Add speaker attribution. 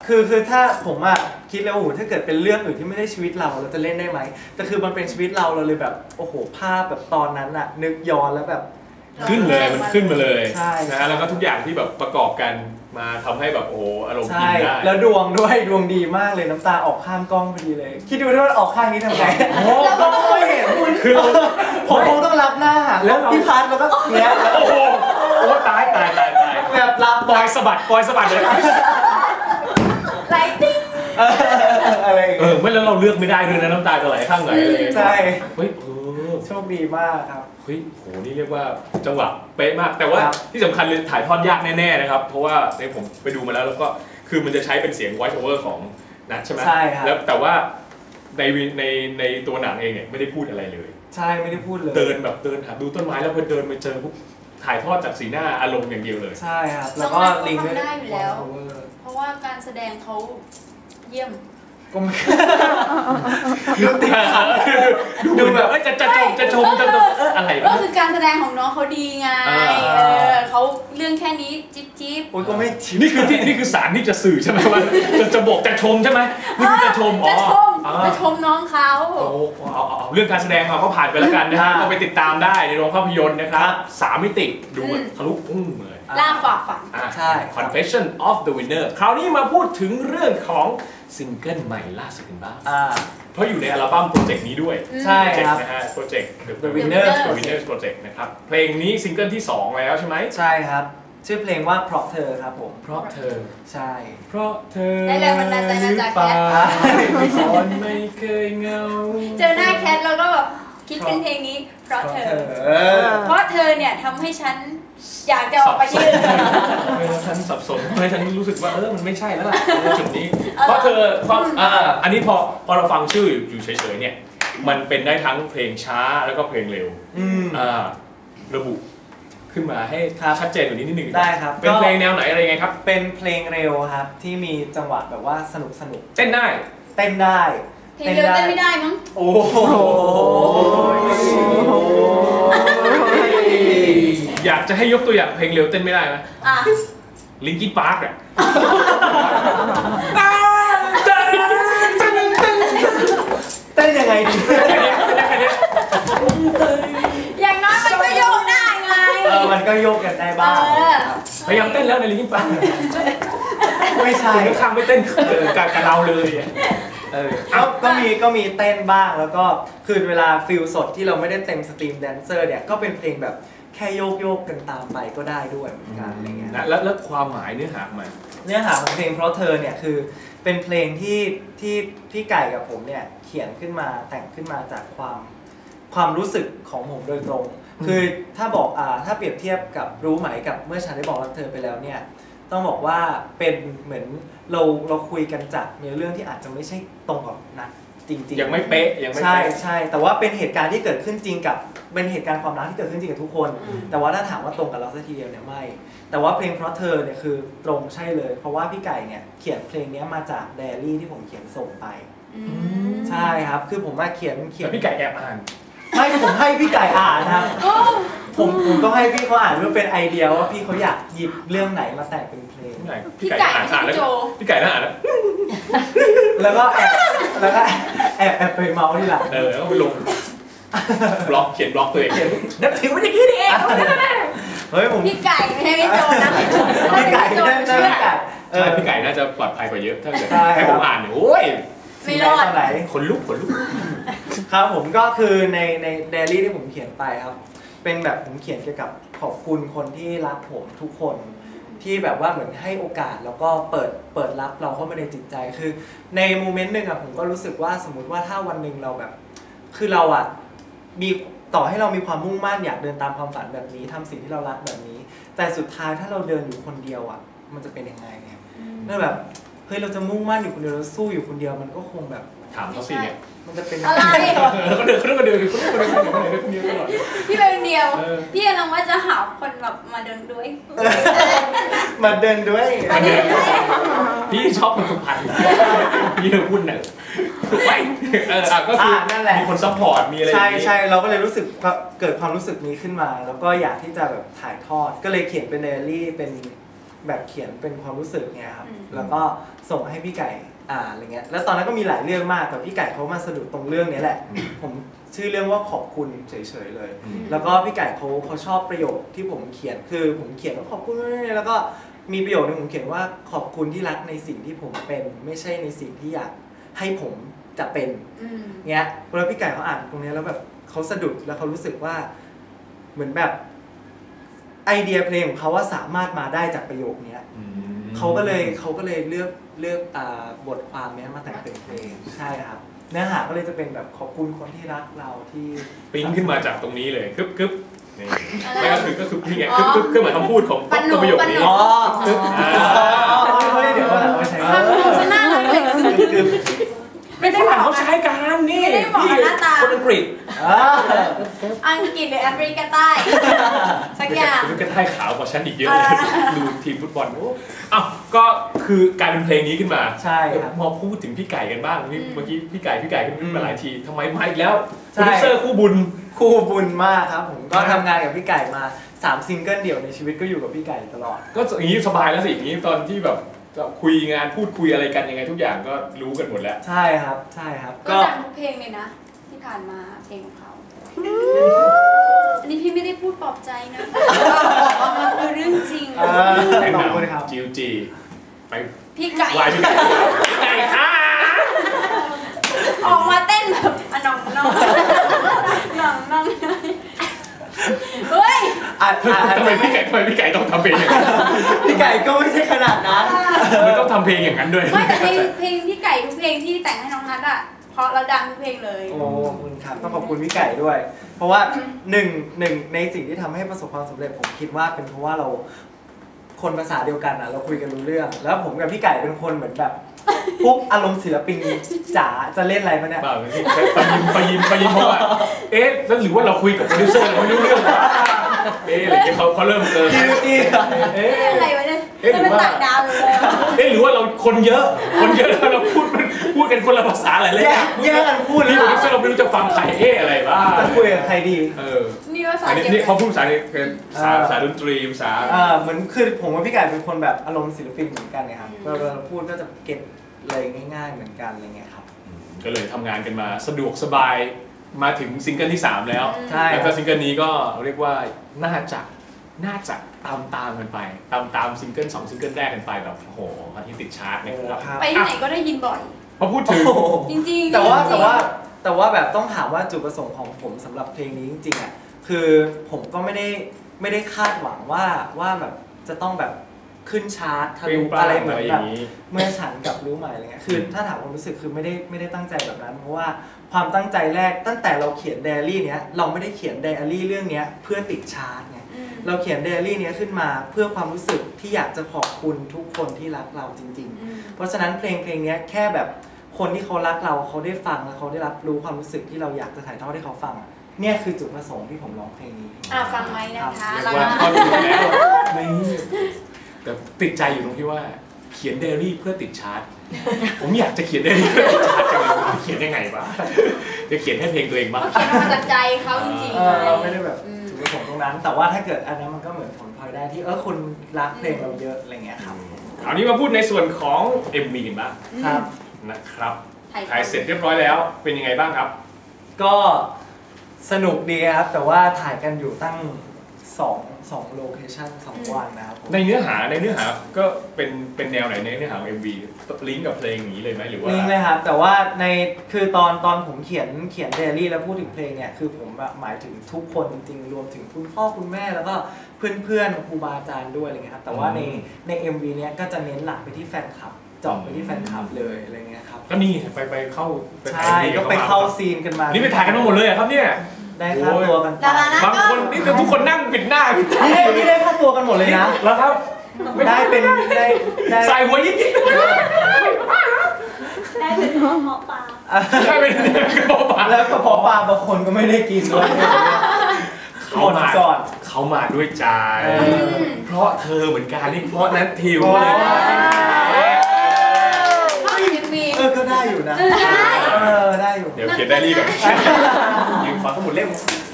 Speaker 1: คือถ้าผมอะคิดแล้วโอ้โหถ้าเกิดเป็นเรื่องอื่นที่ไม่ได้ชีวิตเราจะเล่นได้ไหมแต่คือมันเป็นชีวิตเราเลยแบบโอ้โหภาพแบบตอนนั้นอะนึกย้อนแล้วแบบ
Speaker 2: ขึ้นเลยมันขึ้นมาเลย
Speaker 1: ใช่
Speaker 2: นะฮะแล้วก็ทุกอย่างที่แบบประกอบกันมาทำให้แบบโอ้อารมณ์อินได้
Speaker 1: แล้วดวงด้วยดวงดีมากเลยน้ำตาออกข้างกล้องพอดีเลยคิดดูถ้าออกข้างนี้ทำไงก็ไม่เห็น
Speaker 2: คือ
Speaker 1: ผมคงต้องรับหน้าแล้วพี่พัดแล้วก็เนี้ย
Speaker 2: โอ้โหตาย
Speaker 1: แบบรับ
Speaker 2: ปล่อยสะบัดเลย
Speaker 3: ไลติ้ง
Speaker 1: อะไร
Speaker 2: ไม่แล้วเราเลือกไม่ได้ด้วยนะน้ำตาจะไหลข้างไหนเลย
Speaker 1: ใช่
Speaker 2: เฮ้ย
Speaker 1: โชคดีมากครับ
Speaker 2: เฮ้ยโหนี่เรียกว่าจังหวะเป๊ะมากแต่ว่าที่สำคัญเลยถ่ายทอดยากแน่ๆนะครับเพราะว่าในผมไปดูมาแล้วก็คือมันจะใช้เป็นเสียง voice over ของนัทใช่ไหม
Speaker 1: ใช่ครับ
Speaker 2: แล้วแต่ว่าในตัวหนังเองเนี่ยไม่ได้พูดอะไรเลย
Speaker 1: ใช่ไม่ได้พูดเลย
Speaker 2: เดินหาดูต้นไม้แล้วพอเดินไปเจอปุ๊บถ่ายทอดจากสีหน้าอารมณ์อย่างเดียวเลย
Speaker 1: ใช่ครับแล้วก็ลิง
Speaker 3: ได้อยู่แล้วเพราะว่าการแสดงเขาเยี่ยม
Speaker 1: ก็ไม่
Speaker 2: ดูแบบจะชมอะไร
Speaker 3: ก็คือการแสดงของน้องเขาดีไงเขาเรื่องแค่นี้จิ๊บ
Speaker 1: โอ้ยก็ไม่
Speaker 2: นี่คือสารที่จะสื่อใช่ไหมว่าจะบอกจะชมใช่ไหมนี่คือจะชม
Speaker 3: จะชมน้องเขา
Speaker 2: เอาเรื่องการแสดงมาก็ผ่านไปแล้วกันนะฮะก็ไปติดตามได้ในโรงภาพยนตร์นะครับ3 มิติดูทะลุเลย
Speaker 3: ล่าฝ่าฝัน
Speaker 1: ใช่
Speaker 2: Confession of the Winner คราวนี้มาพูดถึงเรื่องของซิงเกิลใหม่ล่าสุดกันบ้างเพราะอยู่ในอัลบั้มโปรเจกต์นี้ด้วย
Speaker 1: ใช่ครับ
Speaker 2: นะฮะโปรเจกต์ The Winners Project นะครับเพลงนี้ซิงเกิลที่2แล้วใช่ไหม
Speaker 1: ใช่ครับชื่อเพลงว่าเพราะเธอครับผม
Speaker 2: เพราะเธอ
Speaker 1: ใช่
Speaker 2: เพราะเธอ
Speaker 3: ได้แรงบันดาลใจมาจากแคท
Speaker 2: ตอนไม่เคยเงา
Speaker 3: เจอหน้าแคทแล้วก็แบบคิดเป็นเพลงนี้เพราะเธอเนี่ยทำให้ฉันอยากจะออกไปยืน
Speaker 2: ฉันสับสนให้ฉันรู้สึกว่ามันไม่ใช่แล้วล่ะจุดนี้เพราะเธออันนี้พอเราฟังชื่ออยู่เฉยๆเนี่ยมันเป็นได้ทั้งเพลงช้าแล้วก็เพลงเร็วระบุขึ้นมาให้ชัดเจนกว่านี้นิดนึง
Speaker 1: ได้ครับ
Speaker 2: เป็นเพลงแนวไหนอะไรไงครับ
Speaker 1: เป็นเพลงเร็วครับที่มีจังหวะแบบว่าสนุก
Speaker 2: เต้นได้
Speaker 3: เพลงเร็วเต้นไม่ได้มั้ง
Speaker 1: โอ้โห
Speaker 2: อยากจะให้ยกตัวอย่างเพลงเร็วเต้นไม่ได้ไหมลิงกี้พาร์ค
Speaker 1: เต้นยังไงดี
Speaker 3: อย่างน้อยมันก็โยกได้ไง
Speaker 1: มันก็โยกกันได้บ้าง
Speaker 2: พยายามเต้นแล้วในลิงกี้พาร์ค
Speaker 1: ไม่ใช่
Speaker 2: ข้างไม่เต้นกับเราเลย
Speaker 1: ก็มีเต้นบ้างแล้วก็คือเวลาฟิลสดที่เราไม่ได้เต็มสตรีมแดนเซอร์เนี่ยก็เป็นเพลงแบบแค่โยกกันตามไปก็ได้ด้วยเหมือนกันอะไรเงี้ย
Speaker 2: แล้วความหมายเนื้อหา
Speaker 1: ของเพลงเพราะเธอเนี่ยคือเป็นเพลงที่พี่ไก่กับผมเนี่ยเขียนขึ้นมาแต่งขึ้นมาจากความรู้สึกของผมโดยตรงคือถ้าบอกถ้าเปรียบเทียบกับรู้ไหมกับเมื่อฉันได้บอกรักเธอไปแล้วเนี่ยต้องบอกว่าเป็นเหมือนเราคุยกันจากเนื้อเรื่องที่อาจจะไม่ใช่ตรงกับนัดจริง
Speaker 2: ๆยังไม่เป๊ะ
Speaker 1: ใช่แต่ว่าเป็นเหตุการณ์ที่เกิดขึ้นจริงกับเป็นเหตุการณ์ความรักที่เกิดขึ้นจริงกับทุกคนแต่ว่าถ้าถามว่าตรงกับเราสักทีเดียวเนี่ยไม่แต่ว่าเพลงเพราะเธอเนี่ยคือตรงใช่เลยเพราะว่าพี่ไก่เนี่ยเขียนเพลงนี้มาจากไดอารี่ที่ผมเขียนส่งไปใช่ครับคือผมมาเขียน
Speaker 2: พี่ไก่แอบอ่าน
Speaker 1: ไม่ผมให้พี่ไก่อ่านครับผมต้องให้พี่เขาอ่านเพื่อเป็นไอเดียว่าพี่เขาอยากหยิบเรื่องไหนมาแต่งเป็นเพลง
Speaker 3: พี่ไก่อ่าน
Speaker 2: แล้วพี่ไก่น่าอ่าน
Speaker 1: แล้วก็แอบไปเมาส์ที่หลัง
Speaker 2: แล้วก็ไปลงบล็อกเขียนบล็อกตัวเองนับถือมันอย่างนี้นี่เอง
Speaker 1: เฮ้ยผม
Speaker 3: พี่ไก่ไม่ใช่พี่โจนะ
Speaker 1: พี่ไก่ใ
Speaker 2: ช่พี่ไก่น่าจะปลอดภัยกว่าเยอะถ้าเกิดให้ผมอ่านเนี่ยโอ้ย
Speaker 3: ไม่รอด
Speaker 1: ไหน
Speaker 2: ขนลุก
Speaker 1: ครับผมก็คือในไดอารี่ที่ผมเขียนไปครับเป็นแบบผมเขียนเกี่ยวกับขอบคุณคนที่รักผมทุกคนที่แบบว่าเหมือนให้โอกาสแล้วก็เปิดรับเราเข้ามาในจิตใจคือในโมเมนต์หนึ่งอะผมก็รู้สึกว่าสมมุติว่าถ้าวันหนึ่งเราแบบคือเราอะมีต่อให้เรามีความมุ่งมั่นอยากเดินตามความฝันแบบนี้ทำสิ่งที่เรารักแบบนี้แต่สุดท้ายถ้าเราเดินอยู่คนเดียวอะมันจะเป็นยังไงเนี่ยนั่นแบบเฮ้ยเราจะมุ่งมั่นอยู่คนเดียวเราสู้อยู่คนเดียวมันก็คงแบบ
Speaker 2: ถามเขาสิเนี่ย
Speaker 1: มันจะเป็น
Speaker 3: อะไร
Speaker 2: เขาเดินคนเดียวตลอด
Speaker 3: พี่เป็นเดียวพี่กำลังว่าจะหาคนแบบมาเดินด้วย
Speaker 1: มาเดินด้วย
Speaker 2: พี่ชอบคนสุพรรณพี่พูดหน่อยไปก็คือ
Speaker 1: นั่นแหละ
Speaker 2: มีคนซัพพอร์ตมีอะไร
Speaker 1: ใช่เราก็เลยรู้สึกเกิดความรู้สึกนี้ขึ้นมาแล้วก็อยากที่จะแบบถ่ายทอดก็เลยเขียนเป็นไดอารี่เป็นแบบเขียนเป็นความรู้สึกเนี่ยครับแล้วก็ส่งให้พี่ไก่อ่านอะไรเงี้ยแล้วตอนนั้นก็มีหลายเรื่องมากแต่พี่ไก่เขามาสะดุดตรงเรื่องนี้แหละผมชื่อเรื่องว่าขอบคุณเฉยๆเลยแล้วก็พี่ไก่เขาชอบประโยคที่ผมเขียนคือผมเขียนว่าขอบคุณแล้วก็มีประโยคนึงผมเขียนว่าขอบคุณที่รักในสิ่งที่ผมเป็นไม่ใช่ในสิ่งที่อยากให้ผมจะเป็นเงี้ยเวลาพี่ไก่เขาอ่านตรงนี้แล้วแบบเขาสะดุดแล้วเขารู้สึกว่าเหมือนแบบไอเดียเพลงของเขาว่าสามารถมาได้จากประโยคนี้เขาก็เลยเลือกบทความนี้มาแต่งเป็นเพลงใช่ครับเนื้อหาก็เลยจะเป็นแบบขอบคุณคนที่รักเราที่
Speaker 2: ปิ้งขึ้นมาจากตรงนี้เลยกึ๊บนี่ไม่ก็คือนี่ไงกึ๊บเหมือนคำพูดของประโยคนี้
Speaker 1: เดี๋ยวเราใช้
Speaker 3: ชนะเลย
Speaker 2: ไม่ฝรั่งเขาใช้กันนี่
Speaker 3: ไม่ได้บอกหน้าตา
Speaker 2: คนอังกฤษ
Speaker 3: อังกฤษหรือแอฟริกาใต้สักอย่าง
Speaker 2: แอฟริกาใต้ขาวกว่าฉันอีกเยอะเลยดูทีมฟุตบอลอ้าวก็คือการเป็นเพลงนี้ขึ้นมา
Speaker 1: ใช่ครับ
Speaker 2: พอพูดถึงพี่ไก่กันบ้างเมื่อกี้พี่ไก่ขึ้นมาหลายทีทำไมมาอีกแล้วโปรดิวเซอร์คู่บุญ
Speaker 1: มากครับผมก็ทำงานกับพี่ไก่มา3ซิงเกิลเดี่ยวในชีวิตก็อยู่กับพี่ไก่ตลอด
Speaker 2: ก็อย่างนี้สบายแล้วสิอย่างนี้ตอนที่แบบคุยงานพูดคุยอะไรกันยังไงทุกอย่างก็รู้กันหมดแล้ว
Speaker 1: ใช่ครับ
Speaker 3: ก็ดังทุกเพลงเลยนะที่ผ่านมาเพลงของเขาอันนี้พี่ไม่ได้พูดปลอบใจนะคือเรื่องจริง
Speaker 2: แนะนำจิวจีไป
Speaker 3: พี่ไก่
Speaker 2: ไก่ค่ะ
Speaker 3: ออกมาเต้นแบบน้องเฮ้ย
Speaker 2: ทำไมพี่ไก่ต้องทำเพลงอย่างนั้น
Speaker 1: พี่ไก่ก็ไม่ใช่ขนาดนั้น
Speaker 2: ไม่ต้องทำเพลงอย่างนั้นด้วย
Speaker 3: ไม่แต่เพลงพี่ไก่ทุกเพลงที่แต่งให้น้องนัทอ่ะเพราะเราดังทุกเพลงเลย
Speaker 1: โอ้ขอบคุณครับต้องขอบคุณพี่ไก่ด้วยเพราะว่าหนึ่งในสิ่งที่ทำให้ประสบความสำเร็จผมคิดว่าเป็นเพราะว่าเราคนภาษาเดียวกันอ่ะเราคุยกันรู้เรื่องแล้วผมกับพี่ไก่เป็นคนเหมือนแบบพวกอารมณ์ศิลปินจ๋าจะเล่นอะไรมาเนี่ย
Speaker 2: ไปยิมเพราะว่าแล้วหรือว่าเราคุยกับโปรดิวเซอร์เราไม่รู้เรื่องอะไรเขาเริ่ม
Speaker 1: จี
Speaker 3: อะไรวะเนี่ยมันต่างดาว
Speaker 2: เลยหรือว่าเราคนเยอะแล้วเราพูดกันคนละภาษาอะไรเลย
Speaker 1: แย่กันพูด
Speaker 2: นี่โปรดิวเซอร์เราไม่รู้จะฟังใครอะไรบ้าง
Speaker 1: จะคุยกับใครดี
Speaker 3: นี่ภาษา
Speaker 2: นี่เขาพูดภาษาดนตรีภาษา
Speaker 1: เหมือนคือผมกับพี่ไก่เป็นคนแบบอารมณ์ศิลปินเหมือนกันไงครับเวลาพูดก็จะเก็ตเลยง่ายๆเหมือนกันอะไรเงี้ยครับ
Speaker 2: ก็เลยทำงานกันมาสะดวกสบายมาถึงซิงเกิลที่3แล้วแล้วก็ซิงเกิลนี้ก็เรียกว่าน่าจะตามกันไปตามซิงเกิล2ซิงเกิลแรกกันไปแบบโอ้โหอาทิตย์ติดชาร์ตนะครับ
Speaker 3: ไปที่ไหนก็ได้ยินบ่อย
Speaker 2: พอพูดถึง
Speaker 3: จริงๆ
Speaker 1: แต่ว่าแบบต้องถามว่าจุดประสงค์ของผมสำหรับเพลงนี้จริงๆอ่ะคือผมก็ไม่ได้คาดหวังว่าแบบจะต้องแบบขึ้นชาร์ตทะลุอะไรเหมือนแบบเมื่อฉันกับรู้ใหม่อะไรเงี้ยคือถ้าถามความรู้สึกคือไม่ได้ตั้งใจแบบนั้นเพราะว่าความตั้งใจแรกตั้งแต่เราเขียนไดอารี่เนี้ยเราไม่ได้เขียนไดอารี่เรื่องนี้เพื่อติดชาร์ตไงเราเขียนไดอารี่เนี้ยขึ้นมาเพื่อความรู้สึกที่อยากจะขอบคุณทุกคนที่รักเราจริงๆเพราะฉะนั้นเพลงนี้แค่แบบคนที่เขารักเราเขาได้ฟังแล้วเขาได้รับรู้ความรู้สึกที่เราอยากจะถ่ายทอดให้เขาฟังเนี่ยคือจุดประสงค์ที่ผมร้องเพลงนี้
Speaker 3: ฟังไหมนะคะ
Speaker 2: เรียกว่าพอดูแล้วแต่ติดใจอยู่ตรงที่ว่าเขียนไดอารี่เพื่อติดชาร์ตผมอยากจะเขียนไดอารี่เพื่อติดชาร์ตจังเลยเขียนยังไงบ้างจะเขียนให้เพลงตัวเองบ้าง
Speaker 3: เขียนมาจากใจเขาจริงๆ
Speaker 1: เราไม่ได้แบบจุดประสงค์ตรงนั้นแต่ว่าถ้าเกิดอันนั้นมันก็เหมือนผลพลอยได้ที่คุณรักเพลงเราเยอะอะไรเงี้ยครับ
Speaker 2: คราวนี้มาพูดในส่วนของ MV กันบ้าง
Speaker 1: ครับ
Speaker 2: นะครับถ่ายเสร็จเรียบร้อยแล้วเป็นยังไงบ้างครับ
Speaker 1: ก็สนุกดีครับแต่ว่าถ่ายกันอยู่ตั้ง2โลเคชั่น2วันนะครับ
Speaker 2: ในเนื้อหาก็เป็นแนวไหนในเนื้อหาของ MV ลิงก์กับเพลงอย่างนี้เลยไหมหรือว่า
Speaker 1: ลิงก์เลยครับแต่ว่าคือตอนผมเขียนไดอารี่แล้วพูดถึงเพลงเนี่ยคือผมหมายถึงทุกคนจริงๆรวมถึงคุณพ่อคุณแม่แล้วก็เพื่อนครูบาอาจารย์ด้วยอะไรเงี้ยครับแต่ว่าใน MV เนี้ยก็จะเน้นหลักไปที่แฟนคลับเจาะไปที่แฟนคลับเลยอะไรเงี้ยครับ
Speaker 2: ก็นี่ไปเข้า
Speaker 1: ใช่ก็ไปเข้าซีนกันมา
Speaker 2: นี่ไปถ่ายกันมาหมดเลยครับเนี่ย
Speaker 1: ได้ค่าตัวกัน
Speaker 2: บางคนนี่ทุกคนนั่งปิดหน้า
Speaker 1: นี่ได้ค่าตัวกันหมดเลยนะ
Speaker 2: แล้วครับ
Speaker 1: ได้เป็นได้
Speaker 2: ใส่หัวยิ่ง
Speaker 3: ได้เป็นกระเพาะปลา
Speaker 2: ได้เป็นกระเพาะปลา
Speaker 1: แล้วกระเพาะปลาบางคนก็ไม่ได้กินด้วย
Speaker 2: เขามาด้วยใจเพราะเธอเหมือนกันนี่เพราะนั้นทิวเลย
Speaker 1: ก็ได้อยู่นะได้อยู่
Speaker 2: เดี๋ยวเขียนได้รีบแบบยืมขอสมุดเล่ม